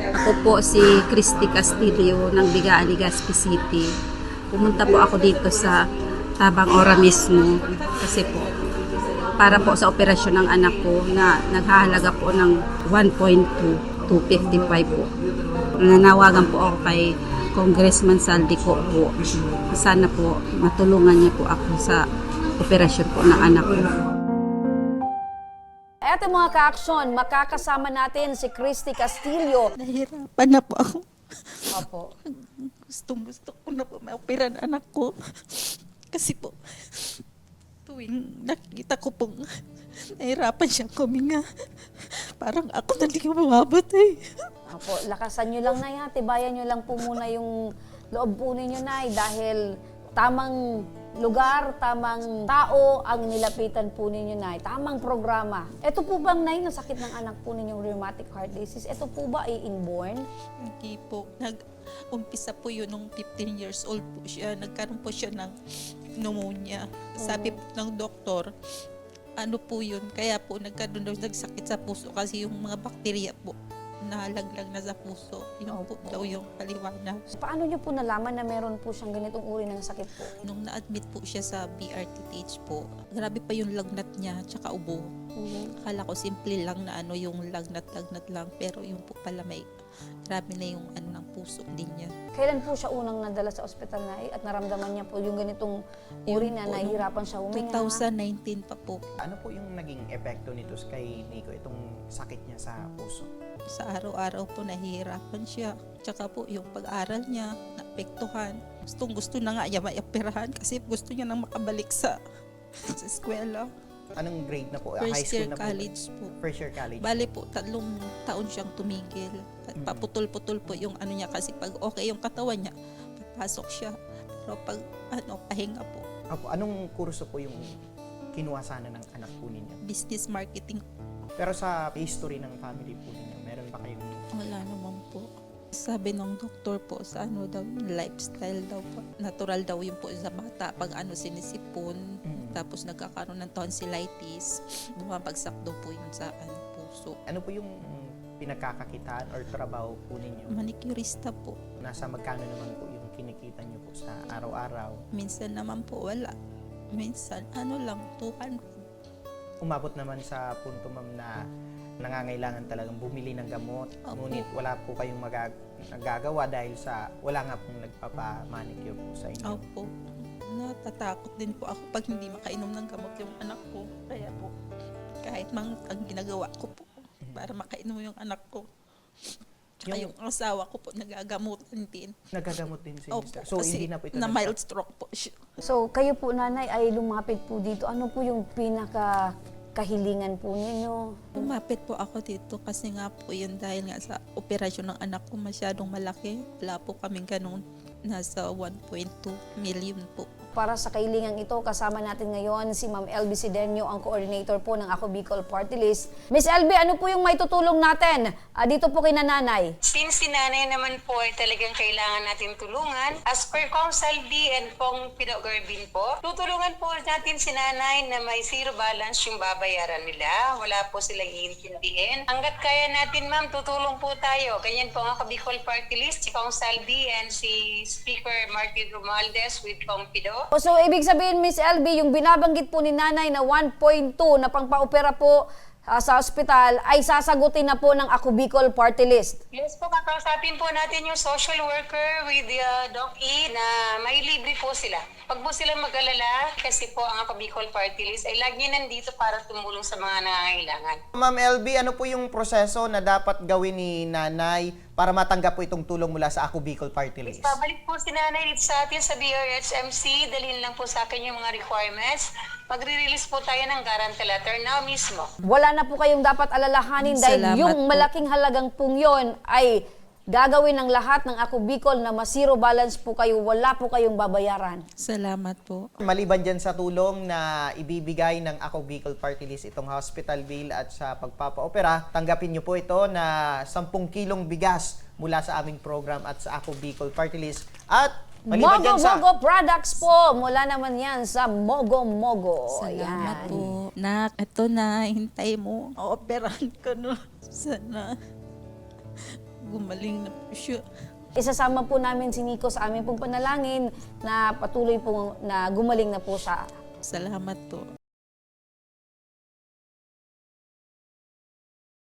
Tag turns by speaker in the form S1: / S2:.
S1: Ako po si Christy Castillo ng Bigaan, Legazpi City. Pumunta po ako dito sa Tabang Ora mismo kasi po para po sa operasyon ng anak ko na naghahalaga po ng 1.2 to 55 po. Nanawagan po ako kay Congressman Saldi ko po. Sana po matulungan niya po ako sa operasyon po ng anak ko.
S2: Eto mga ka-aksyon, makakasama natin si Christy Castillo.
S3: Nahirapan na po ako.
S2: Opo.
S3: Gusto ko na po maopera ang anak ko. Kasi po, tuwing nakita ko pong nahirapan siyang kuminga, parang ako na hindi umabot eh.
S2: Opo, lakasan nyo lang na yan. Tibayan nyo lang po muna yung loob po ninyo, Nay, dahil tamang lugar, tamang tao ang nilapitan po ninyo, Nay. Tamang programa. Ito po bang, Nay, ng sakit ng anak po ninyong rheumatic heart disease? Ito po ba ay inborn?
S3: Hindi po. Nag-umpisa po yun nung 15 years old po siya. Nagkaroon po siya ng pneumonia. Sabi po ng doktor, ano po yun? Kaya po nagkaroon daw nagsakit sa puso kasi yung mga bakterya po nahalaglag na sa puso. Yun po daw yung paliwanag.
S2: Paano nyo po nalaman na meron po siyang ganitong uri ng sakit po?
S3: Nung na-admit po siya sa BRTTH po, grabe pa yung lagnat niya, tsaka ubo. Akala ko simple lang na ano yung lagnat-lagnat lang, pero yung po pala may grabe na yung ano ng puso din niya.
S2: Kailan po siya unang nadala sa ospital, Nay, at naramdaman niya po yung ganitong uri na nahihirapan siya huminga?
S3: 2019 pa po.
S4: Ano po yung naging epekto nito kay Nico, itong sakit niya sa puso?
S3: Sa araw-araw po nahihirapan siya. Tsaka po yung pag-aral niya, naapektuhan. Gusto na nga niya maoperahan kasi gusto niya nang makabalik sa eskwela.
S4: Anong grade na po?
S3: First
S4: High school
S3: year
S4: na po?
S3: college po.
S4: First year college.
S3: Bale po, 3 taon siyang tumigil. Paputol-putol po yung ano niya kasi pag okay yung katawan niya, papasok siya. Pero pag pahinga po.
S4: Opo, anong kurso po yung kinuha sana ng anak po ninyo?
S3: Business marketing.
S4: Pero sa history ng family po ninyo, meron ba kayong...
S3: Wala naman po. Sabi ng doktor po sa ano daw, lifestyle daw po. Natural daw yun po sa bata. Pag sinisipon, tapos nagkakaroon ng tonsillitis, bumabagsak daw po yun sa puso.
S4: Ano po yung pinagkakakitaan or trabaho po ninyo?
S3: Manicurista po.
S4: Nasa magkano naman po yung kinikita niyo po sa araw-araw?
S3: Minsan naman po wala. Minsan lang, 200.
S4: Umabot naman sa punto, ma'am, na nangangailangan talagang bumili ng gamot.
S3: Opo.
S4: Ngunit wala po kayong nagagawa dahil sa wala nga pong nagpapa-manicure po sa inyo.
S3: Opo. Natatakot din po ako pag hindi makainom ng gamot yung anak ko. Kaya po, kahit mang ang ginagawa ko po para makainom yung anak ko. Tsaka yung asawa ko po nagagamutan din.
S4: Nagagamot din si
S3: Opo,
S4: Mr. So,
S3: kasi
S4: hindi na po ito
S3: na mild stroke po siya.
S2: So, kayo po, Nanay, ay lumapit po dito. Ano po yung kahilingan po ninyo?
S3: Lumapit po ako dito kasi nga po yun dahil nga sa operasyon ng anak ko masyadong malaki. Wala po kaming ganun. Nasa 1.2 million po.
S2: Para sa kahilingang ito, kasama natin ngayon si Ma'am LB Sidenio, ang coordinator po ng Ako Bicol Party List. Miss LB, ano po yung may tutulong natin dito po kay Nanay?
S5: Since si nanay naman po ay talagang kailangan natin tulungan, as per Council D and Pong Pino Garbin po, tutulungan po natin si nanay na may zero balance yung babayaran nila. Wala po silang iintindihin. Hanggat kaya natin, ma'am, tutulong po tayo. Ganyan po ang Ako Bicol Party List, si Council D and si Speaker Martin Romualdez with Pong Pido.
S2: So, ibig sabihin, Miss LB, yung binabanggit po ni Nanay na 1.2 na pangpa-opera po sa ospital ay sasagutin na po ng Ako Bicol Party List.
S5: Yes po, kakausapin po natin yung social worker with the Doc E na may libre po sila. Pag po sila mag-alala, kasi po ang Ako Bicol Party List ay lagi nandito para tumulong sa mga nangangailangan.
S4: Ma'am LB, ano po yung proseso na dapat gawin ni nanay para matanggap po itong tulong mula sa Ako Bicol Party List?
S5: Pabalik po si nanay dito sa atin sa BRHMC, dalhin lang po sa akin yung mga requirements. Magre-release po tayo ng guarantee letter now mismo.
S2: Wala na po kayong dapat alalahanin dahil
S3: Salamat
S2: yung
S3: po.
S2: malaking halagang pong yun ay gagawin ng lahat ng Ako Bicol na ma-zero balance po kayo, wala po kayong babayaran.
S3: Salamat po.
S4: Maliban dyan sa tulong na ibibigay ng Ako Bicol Party List, itong hospital bill at sa pagpapa-opera, tanggapin nyo po ito na 10 kilong bigas mula sa aming program at sa Ako Bicol Party List. At maliban dyan sa...
S2: Mogo products po, mula naman yan sa Mogo Mogo.
S3: Salamat
S2: Yan.
S3: po. Nak, ito na, hintay mo. Operahan ko no. Sana gumaling na po siya.
S2: Isasama po namin si Nico sa aming pong panalangin na patuloy po na gumaling na po siya.
S3: Salamat po.